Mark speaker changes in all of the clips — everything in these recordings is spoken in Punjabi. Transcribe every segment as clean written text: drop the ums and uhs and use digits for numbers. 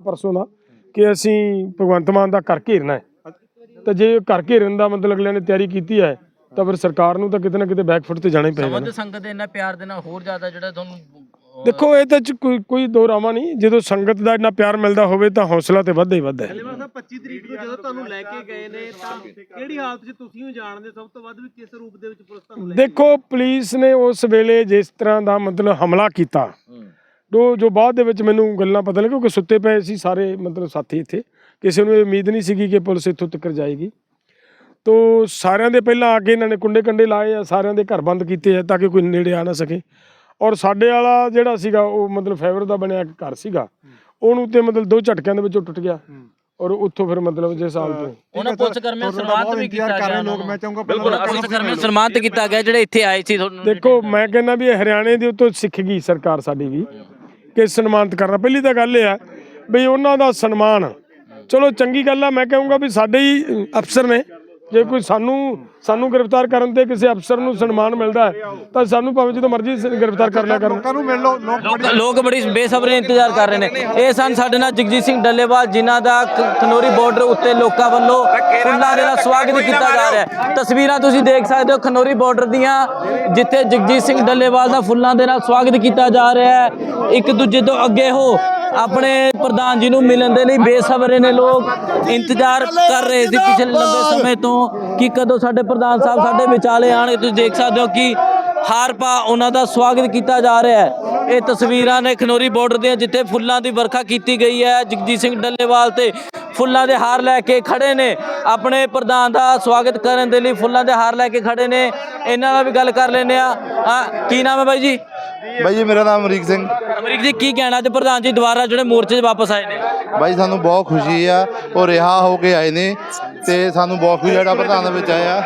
Speaker 1: परसों का कि असी भगवंत मान का घर घेरना है, तो जे घर घेरन का मतलब अगले ने तैयारी की है तो फिर सरकार नूं तां किते ना किते बैकफुट ते जाना ही पेगा ना।
Speaker 2: संगत दे इन्ना प्यार देना होर ज्यादा जिहड़ा तुहानूं
Speaker 1: देखो ये तो कोई दो रामा नहीं, जो संगत का इन्ना प्यार मिलता होवे तां हौसला तो वधदा ही वधदा है।
Speaker 3: 25 तरीक ਨੂੰ ਜਦੋਂ ਤੁਹਾਨੂੰ ਲੈ ਕੇ ਗਏ ਨੇ ਤਾਂ ਕਿਹੜੀ ਹਾਲਤ 'ਚ ਤੁਸੀਂ ਵੀ ਜਾਣਦੇ ਸਭ ਤੋਂ ਵੱਧ ਵੀ ਕਿਸ ਰੂਪ ਦੇ ਵਿੱਚ ਪੁਲਿਸ ਤੁਹਾਨੂੰ ਲੈ ਕੇ
Speaker 1: देखो पुलिस ने उस वेले जिस तरह का मतलब हमला किया जो बाद मैनू गल्लां पता लगे क्योंकि सुते पे सी सारे मतलब साथी इत्थे, किसी को उम्मीद नहीं सी कि पुलिस इत्थों तक जाएगी। तो सारिਆਂ ਦੇ ਪਹਿਲਾਂ आ के इन्होंने कुंडे कंडे लाए आ, सारिਆਂ ਦੇ घर बंद किए है ताकि कोई नेड़े आ ना सके। और साडे वाला ਜਿਹੜਾ ਸੀਗਾ ਉਹ मतलब फाइबर ਦਾ ਬਣਿਆ घर ਸੀਗਾ, ਉਹਨੂੰ ਤੇ मतलब 2 ਝਟਕਿਆਂ ਦੇ ਵਿੱਚੋਂ ਟੁੱਟ ਗਿਆ और उत्थों फिर मतलब जिस हाल तो
Speaker 2: ਉਹਨਾਂ ਪੁਲਿਸ ਕਰਮੀਆਂ ਨੂੰ ਸਨਮਾਨਿਤ ਵੀ ਕੀਤਾ ਗਿਆ ਲੋਕ। ਮੈਂ ਚਾਹੂੰਗਾ ਬਿਲਕੁਲ ਪੁਲਿਸ ਕਰਮੀਆਂ ਨੂੰ ਸਨਮਾਨਿਤ ਕੀਤਾ ਗਿਆ ਜਿਹੜੇ ਇੱਥੇ ਆਏ ਸੀ।
Speaker 1: देखो मैं कहना भी हरियाणे ਦੇ ਉੱਤੋਂ ਸਿੱਖ ਗਈ ਸਰਕਾਰ ਸਾਡੀ ਵੀ ਕਿ ਸਨਮਾਨਿਤ ਕਰਨਾ। ਪਹਿਲੀ ਤਾਂ ਗੱਲ ਇਹ ਹੈ ਵੀ ਉਹਨਾਂ ਦਾ ਸਨਮਾਨ ਚਲੋ ਚੰਗੀ ਗੱਲ ਆ। ਮੈਂ ਕਹੂੰਗਾ ਵੀ ਸਾਡੇ ਹੀ ਅਫਸਰ ਨੇ, ਜੇ ਕੋਈ ਸਾਨੂੰ ਗ੍ਰਿਫਤਾਰ ਕਰਨ ਤੇ ਕਿਸੇ ਅਫਸਰ ਨੂੰ ਸਨਮਾਨ ਮਿਲਦਾ ਹੈ ਤਾਂ ਸਾਨੂੰ ਭਾਵੇਂ ਜਦੋਂ ਮਰਜ਼ੀ ਗ੍ਰਿਫਤਾਰ ਕਰ ਲਿਆ ਕਰਨ।
Speaker 3: ਲੋਕਾਂ ਨੂੰ ਮਿਲ ਲਓ।
Speaker 2: ਲੋਕ ਬੜੀ ਬੇਸਬਰੀ ਨਾਲ ਇੰਤਜ਼ਾਰ ਕਰ ਰਹੇ ਨੇ। ਇਹ ਸਨ ਸਾਡੇ ਨਾਲ ਜਗਜੀਤ ਸਿੰਘ ਡੱਲੇਵਾਲ, ਜਿਨ੍ਹਾਂ ਦਾ ਖਨੌਰੀ ਬਾਰਡਰ ਉੱਤੇ ਲੋਕਾਂ ਵੱਲੋਂ ਫੁੱਲਾਂ ਦੇ ਨਾਲ ਸਵਾਗਤ ਕੀਤਾ ਜਾ ਰਿਹਾ ਹੈ। ਤਸਵੀਰਾਂ ਤੁਸੀਂ ਦੇਖ ਸਕਦੇ ਹੋ ਖਨੌਰੀ ਬਾਰਡਰ ਦੀਆਂ, ਜਿੱਥੇ ਜਗਜੀਤ ਸਿੰਘ ਡੱਲੇਵਾਲ ਦਾ ਫੁੱਲਾਂ ਦੇ ਨਾਲ ਸਵਾਗਤ ਕੀਤਾ ਜਾ ਰਿਹਾ ਹੈ। ਇੱਕ ਦੂਜੇ ਤੋਂ ਅੱਗੇ ਹੋ ਆਪਣੇ ਪ੍ਰਧਾਨ ਜੀ ਨੂੰ ਮਿਲਣ ਦੇ ਲਈ ਬੇਸਬਰੇ ਨੇ ਲੋਕ ਇੰਤਜ਼ਾਰ ਕਰ ਰਹੇ ਸੀ ਪਿਛਲੇ ਲੰਬੇ ਸਮੇਂ ਤੋਂ ਕਿ ਕਦੋਂ ਸਾਡੇ ਪ੍ਰਧਾਨ ਸਾਹਿਬ ਸਾਡੇ ਵਿਚਾਲੇ ਆਣਗੇ। ਤੁਸੀਂ ਦੇਖ ਸਕਦੇ ਹੋ ਕਿ ਹਾਰ ਪਾ ਉਹਨਾਂ ਦਾ ਸਵਾਗਤ ਕੀਤਾ ਜਾ ਰਿਹਾ ਹੈ। ਇਹ ਤਸਵੀਰਾਂ ਨੇ ਖਨੌਰੀ ਬਾਰਡਰ ਦੀਆਂ, ਜਿੱਥੇ ਫੁੱਲਾਂ ਦੀ ਵਰਖਾ ਕੀਤੀ ਗਈ ਹੈ। ਜਗਜੀਤ ਸਿੰਘ ਡੱਲੇਵਾਲ ਤੇ ਫੁੱਲਾਂ ਦੇ ਹਾਰ ਲੈ ਕੇ ਖੜੇ ਨੇ, ਆਪਣੇ ਪ੍ਰਧਾਨ ਦਾ ਸਵਾਗਤ ਕਰਨ ਦੇ ਲਈ ਫੁੱਲਾਂ ਦੇ ਹਾਰ ਲੈ ਕੇ ਖੜੇ ਨੇ। ਇਹਨਾਂ ਨਾਲ ਵੀ ਗੱਲ ਕਰ ਲੈਂਦੇ ਆ। ਕੀ ਨਾਮ ਹੈ ਬਾਈ ਜੀ?
Speaker 4: ਬਾਈ ਜੀ ਮੇਰਾ ਨਾਮ ਅਮਰੀਕ ਸਿੰਘ।
Speaker 2: ਅਮਰੀਕ ਜੀ ਕੀ ਕਹਿਣਾ ਅੱਜ ਪ੍ਰਧਾਨ ਜੀ ਦੁਬਾਰਾ ਜਿਹੜੇ ਮੋਰਚੇ 'ਚ ਵਾਪਸ ਆਏ ਨੇ?
Speaker 4: ਬਾਈ ਸਾਨੂੰ ਬਹੁਤ ਖੁਸ਼ੀ ਆ, ਉਹ ਰਿਹਾ ਹੋ ਕੇ ਆਏ ਨੇ ਤੇ ਸਾਨੂੰ ਬਹੁਤ ਖੁਸ਼ੀ ਜਿਹੜਾ ਪ੍ਰਧਾਨ ਦੇ ਵਿੱਚ ਆਇਆ।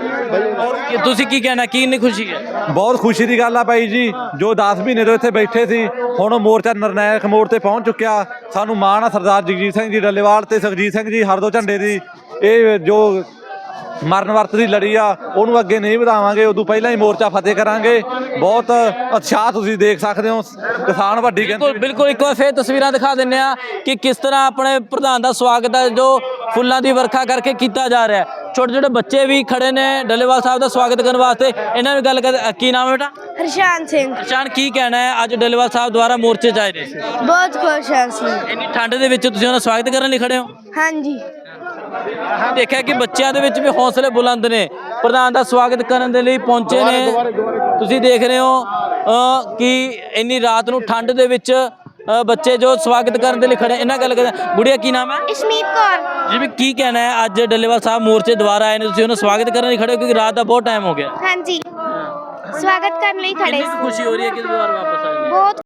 Speaker 2: ਕਿ ਤੁਸੀਂ ਕੀ ਕਹਿਣਾ, ਕੀ ਇੰਨੀ ਖੁਸ਼ੀ ਹੈ?
Speaker 5: ਬਹੁਤ ਖੁਸ਼ੀ ਦੀ ਗੱਲ ਆ ਬਾਈ ਜੀ, ਜੋ 10 ਮਹੀਨੇ ਤੋਂ ਇੱਥੇ ਬੈਠੇ ਸੀ ਹੁਣ ਮੋਰਚਾ ਨਿਰਣਾਇਕ ਮੋੜ ਤੇ ਪਹੁੰਚ ਚੁੱਕਿਆ। ਸਾਨੂੰ ਮਾਣ ਆ ਸਰਦਾਰ ਜਗਜੀਤ ਸਿੰਘ ਜੀ ਡੱਲੇਵਾਲ ਤੇ ਸੁਖਜੀਤ ਸਿੰਘ ਜੀ ਹਰਦੋ ਝੰਡੇ ਦੀ ਇਹ ਜੋ ਮਰਨ ਵਰਤ ਦੀ ਲੜੀ ਆ ਉਹਨੂੰ ਅੱਗੇ ਨਹੀਂ ਵਧਾਵਾਂਗੇ, ਉਦੋਂ ਪਹਿਲਾਂ ਹੀ ਮੋਰਚਾ ਫਤਿਹ ਕਰਾਂਗੇ। ਬਹੁਤ ਉਤਸ਼ਾਹ ਤੁਸੀਂ ਦੇਖ ਸਕਦੇ ਹੋ, ਕਿਸਾਨ ਵੱਡੀ ਗਿਣਤੀ।
Speaker 2: ਬਿਲਕੁਲ ਇੱਕ ਵਾਰ ਫੇਰ ਤਸਵੀਰਾਂ ਦਿਖਾ ਦਿੰਦੇ ਆ ਕਿ ਕਿਸ ਤਰ੍ਹਾਂ ਆਪਣੇ ਪ੍ਰਧਾਨ ਦਾ ਸਵਾਗਤ ਹੈ ਜੋ ਫੁੱਲਾਂ ਦੀ ਵਰਖਾ ਕਰਕੇ ਕੀਤਾ ਜਾ ਰਿਹਾ ਹੈ। ਛੋਟੇ ਛੋਟੇ ਬੱਚੇ ਵੀ ਖੜੇ ਨੇ ਡੱਲੇਵਾਲ ਸਾਹਿਬ ਦਾ ਸਵਾਗਤ ਕਰਨ ਵਾਸਤੇ। ਇਹਨਾਂ ਨਾਲ ਗੱਲ ਕਰ। ਕੀ ਨਾਮ ਹੈ ਬੇਟਾ?
Speaker 6: ਹਰਸ਼ਾਨ ਸਿੰਘ।
Speaker 2: ਹਰਸ਼ਾਨ ਕੀ ਕਹਿਣਾ ਹੈ ਅੱਜ ਡੱਲੇਵਾਲ ਸਾਹਿਬ ਦੁਆਰਾ ਮੋਰਚੇ 'ਚ ਆਏ ਨੇ?
Speaker 6: ਬਹੁਤ ਖੁਸ਼ ਹਾਂ ਅਸੀਂ।
Speaker 2: ਇੰਨੀ ਠੰਡ ਦੇ ਵਿੱਚ ਤੁਸੀਂ ਉਹਨਾਂ ਦਾ ਸਵਾਗਤ ਕਰਨ ਲਈ ਖੜੇ ਹੋ?
Speaker 6: ਹਾਂਜੀ।
Speaker 2: ਦੇਖਿਆ ਕਿ ਬੱਚਿਆਂ ਦੇ ਵਿੱਚ ਵੀ ਹੌਸਲੇ ਬੁਲੰਦ ਨੇ, ਪ੍ਰਧਾਨ ਦਾ ਸਵਾਗਤ ਕਰਨ ਦੇ ਲਈ ਪਹੁੰਚੇ ਨੇ। ਤੁਸੀਂ ਦੇਖ ਰਹੇ ਹੋ ਕਿ ਇੰਨੀ ਰਾਤ ਨੂੰ ਠੰਡ ਦੇ ਵਿੱਚ ਬੱਚੇ ਜੋ ਸਵਾਗਤ ਕਰਨ ਦੇ ਲਈ ਖੜੇ। ਇਹਨਾਂ ਗੱਲ ਕਰਦੇ। ਗੁੜੀਆ ਕੀ ਨਾਮ ਹੈ?
Speaker 6: ਇਸ਼ਮੀਤ ਕੌਰ।
Speaker 2: ਜੀ ਵੀ ਕੀ ਕਹਿਣਾ ਹੈ ਅੱਜ ਡੱਲੇਵਾਲ ਸਾਹਿਬ ਮੋਰਚੇ ਦੁਆਰਾ ਆਏ ਨੇ, ਤੁਸੀਂ ਉਹਨਾਂ ਸਵਾਗਤ ਕਰਨ ਲਈ ਖੜੇ ਹੋ ਕਿਉਂਕਿ ਰਾਤ ਦਾ ਬਹੁਤ ਟਾਈਮ ਹੋ ਗਿਆ?
Speaker 6: ਹਾਂਜੀ, ਸਵਾਗਤ ਕਰਨ ਲਈ ਖੜੇ।
Speaker 2: ਖੁਸ਼ੀ ਹੋ ਰਹੀ ਹੈ ਕਿ ਦੁਬਾਰਾ ਵਾਪਸ ਆਏ ਨੇ?
Speaker 6: ਬਹੁਤ